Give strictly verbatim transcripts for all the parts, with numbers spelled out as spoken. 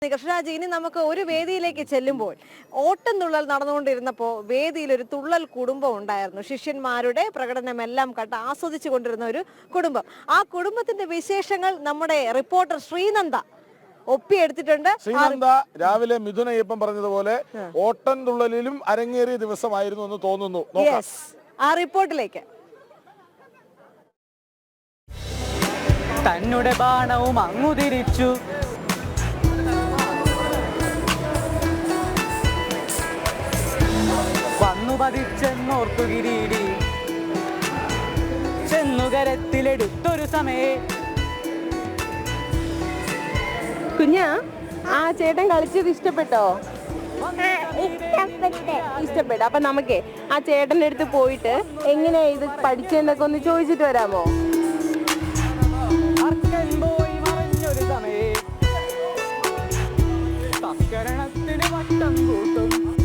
കൃഷ്ണരാജ്, ഇനി നമുക്ക് ഒരു വേദിയിലേക്ക് ചെല്ലുമ്പോൾ ഓട്ടം തുള്ളൽ നടന്നുകൊണ്ടിരുന്നപ്പോൾ വേദിയിൽ ഒരു തുള്ളൽ കുടുംബം ഉണ്ടായിരുന്നു. ശിഷ്യന്മാരുടെ പ്രകടനമെല്ലാം കണ്ട് ആസ്വദിച്ചു കൊണ്ടിരുന്ന ഒരു കുടുംബം. ആ കുടുംബത്തിന്റെ വിശേഷങ്ങൾ നമ്മുടെ റിപ്പോർട്ടർ ശ്രീനന്ദ ഒപ്പിയെടുത്തിട്ടുണ്ട്. ശ്രീനന്ദ രാവിലെ മിഥുന അയ്യപ്പൻ പറഞ്ഞതുപോലെ ഓട്ടം തുള്ളലിലും അരങ്ങേറിയ ദിവസമായിരുന്നു എന്ന് തോന്നുന്നു. ആ റിപ്പോർട്ടിലേക്ക്. തന്നുടെ ബാണവും അങ്ങു തിരിച്ചു, വന്നു പതിച്ചെന്നോർത്തു കിരീടി, ചെന്നുകരത്തിലെടുത്തൊരു സമയേ. കുഞ്ഞാ, ആ ചേട്ടൻ കളിച്ചത് ഇഷ്ടപ്പെട്ടോ? ഇഷ്ടപ്പെട്ടു. അപ്പൊ നമുക്കേ ആ ചേട്ടൻ്റെ അടുത്ത് പോയിട്ട് എങ്ങനെയാ ഇത് പഠിച്ചെന്നൊക്കെ ഒന്ന് ചോദിച്ചിട്ട് വരാമോ? പോയി മറഞ്ഞൊരു സമയേ, തസ്കരണത്തിന് വട്ടം കൂട്ടും.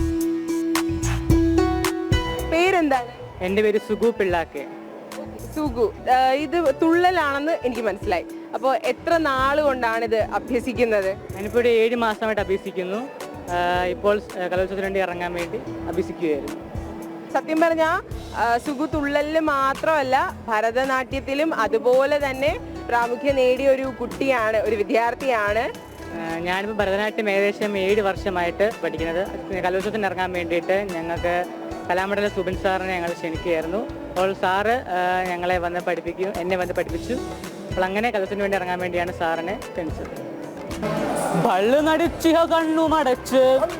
പേരെന്താണ്? എൻ്റെ പേര് സുഗു പിള്ളാക്കെ. സുഗു, ഇത് തുള്ളലാണെന്ന് എനിക്ക് മനസ്സിലായി. അപ്പോൾ എത്ര നാൾ കൊണ്ടാണ് ഇത് അഭ്യസിക്കുന്നത്? ഞാനിപ്പോൾ ഒരു ഏഴ് മാസമായിട്ട് അഭ്യസിക്കുന്നു. ഇപ്പോൾ കലോത്സവത്തിന് വേണ്ടി ഇറങ്ങാൻ വേണ്ടി അഭ്യസിക്കുകയായിരുന്നു. സത്യം പറഞ്ഞാൽ സുഗു തുള്ളലിൽ മാത്രമല്ല ഭരതനാട്യത്തിലും അതുപോലെ തന്നെ പ്രാമുഖ്യം നേടിയ ഒരു കുട്ടിയാണ്, ഒരു വിദ്യാർത്ഥിയാണ്. ഞാനിപ്പോൾ ഭരതനാട്യം ഏകദേശം ഏഴ് വർഷമായിട്ട് പഠിക്കുന്നത്. കലോത്സവത്തിന് ഇറങ്ങാൻ വേണ്ടിയിട്ട് ഞങ്ങൾക്ക് കലാമണ്ഡലം സുബിൻ സാറിനെ ഞങ്ങൾ ക്ഷണിക്കുകയായിരുന്നു. അപ്പോൾ സാറ് ഞങ്ങളെ വന്ന് പഠിപ്പിക്കും, എന്നെ വന്ന് പഠിപ്പിച്ചു. അപ്പോൾ അങ്ങനെ കലോത്സവത്തിന് വേണ്ടി ഇറങ്ങാൻ വേണ്ടിയാണ് സാറിനെ ക്ഷണിച്ചത്. പള്ളു നടിച്ചിക കണ്ണു മടച്ച്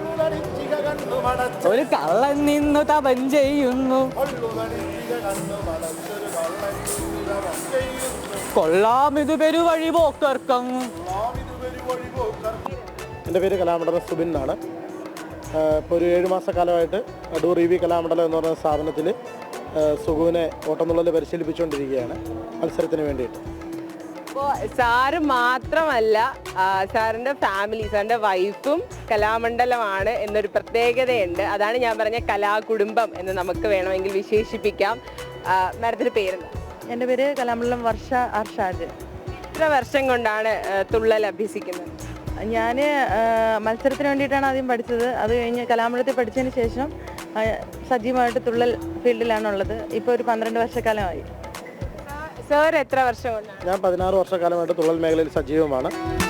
ഒരു കള്ളൻ നിന്നു തപം ചെയ്യുന്നു, കൊള്ളാമിത് പെരുവഴി പോക്കർക്കം. എൻ്റെ പേര് കലാമണ്ഡലം സുബിൻ എന്നാണ്. ഇപ്പോൾ ഒരു ഏഴ് മാസക്കാലമായിട്ട് അടൂർ ഇ വി കലാമണ്ഡലം എന്ന് പറയുന്ന സ്ഥാപനത്തിൽ സുഗുവിനെ ഓട്ടംതുള്ളൽ പരിശീലിപ്പിച്ചുകൊണ്ടിരിക്കുകയാണ് മത്സരത്തിന് വേണ്ടിയിട്ട്. അപ്പോൾ സാറ് മാത്രമല്ല, സാറിൻ്റെ ഫാമിലി, സാറിൻ്റെ വൈഫും കലാമണ്ഡലമാണ് എന്നൊരു പ്രത്യേകതയുണ്ട്. അതാണ് ഞാൻ പറഞ്ഞ കലാകുടുംബം എന്ന് നമുക്ക് വേണമെങ്കിൽ വിശേഷിപ്പിക്കാം. മാഡത്തിൻ്റെ പേരെന്താ? എൻ്റെ പേര് കലാമണ്ഡലം വർഷ അർഷാദ്. എത്ര വർഷം കൊണ്ടാണ് തുള്ളൽ അഭ്യസിക്കുന്നത്? ഞാൻ മത്സരത്തിന് വേണ്ടിയിട്ടാണ് ആദ്യം പഠിച്ചത്. അത് കഴിഞ്ഞ് കലാമണ്ഡലത്തിൽ പഠിച്ചതിന് ശേഷം സജീവമായിട്ട് തുള്ളൽ ഫീൽഡിലാണുള്ളത്. ഇപ്പോൾ ഒരു പന്ത്രണ്ട് വർഷക്കാലമായി. സാർ എത്ര വർഷം കൊണ്ടാണ്? ഞാൻ പതിനാറ് വർഷക്കാലമായിട്ട് തുള്ളൽ മേഖലയിൽ സജീവമാണ്.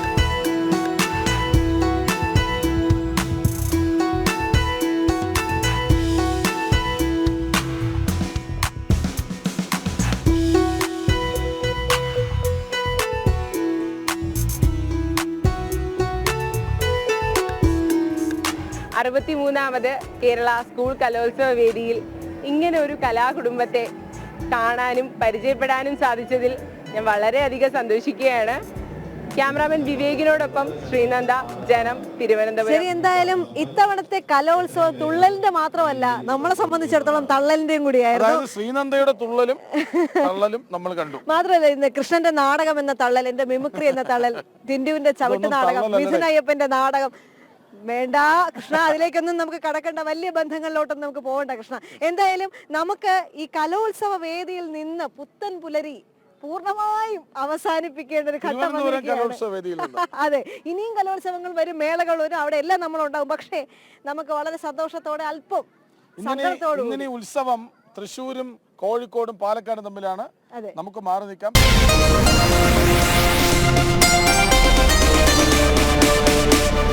അറുപത്തിമൂന്നാമത് കേരള സ്കൂൾ കലോത്സവ വേദിയിൽ ഇങ്ങനെ ഒരു കലാകുടുംബത്തെ കാണാനും പരിചയപ്പെടാനും സാധിച്ചതിൽ ഞാൻ വളരെയധികം സന്തോഷിക്കുകയാണ്. ക്യാമറാമാൻ വിവേകിനോടൊപ്പം ശ്രീനന്ദ, ജനം, തിരുവനന്തപുരം. ശരി, എന്തായാലും ഇത്തവണത്തെ കലോത്സവം തുള്ളലിന്റെ മാത്രമല്ല, നമ്മളെ സംബന്ധിച്ചിടത്തോളം തള്ളലിന്റെയും കൂടിയായിരുന്നു. ശ്രീനന്ദയുടെ തുള്ളലും തള്ളലും നമ്മൾ കണ്ടു. മാത്രമല്ല ഇന്ന് കൃഷ്ണന്റെ നാടകം എന്ന തള്ളൽ, എന്റെ മിമിക്രി എന്ന തള്ളൽ, ടിന്റുവിന്റെ ചവിട്ട് നാടകം, മിഥുന അയ്യപ്പന്റെ നാടകം. വേണ്ട കൃഷ്ണ, അതിലേക്കൊന്നും നമുക്ക് കടക്കണ്ട, വലിയ ബന്ധങ്ങളിലോട്ടൊന്നും നമുക്ക് പോകണ്ട കൃഷ്ണ. എന്തായാലും നമുക്ക് ഈ കലോത്സവ വേദിയിൽ നിന്ന് പുത്തൻ പുലരി പൂർണ്ണമായും അവസാനിപ്പിക്കേണ്ട ഒരു ഘട്ടം വന്നിരിക്കുകയാണ്. അതെ, ഇനിയും കലോത്സവങ്ങൾ വരും, മേളകൾ വരും, അവിടെ എല്ലാം നമ്മളുണ്ടാവും. പക്ഷേ നമുക്ക് വളരെ സന്തോഷത്തോടെ, അല്പം സങ്കടത്തോടെ ഉത്സവം തൃശ്ശൂരും കോഴിക്കോടും പാലക്കാടും തമ്മിലാണ്. നമുക്ക് മാറി നിൽക്കാം.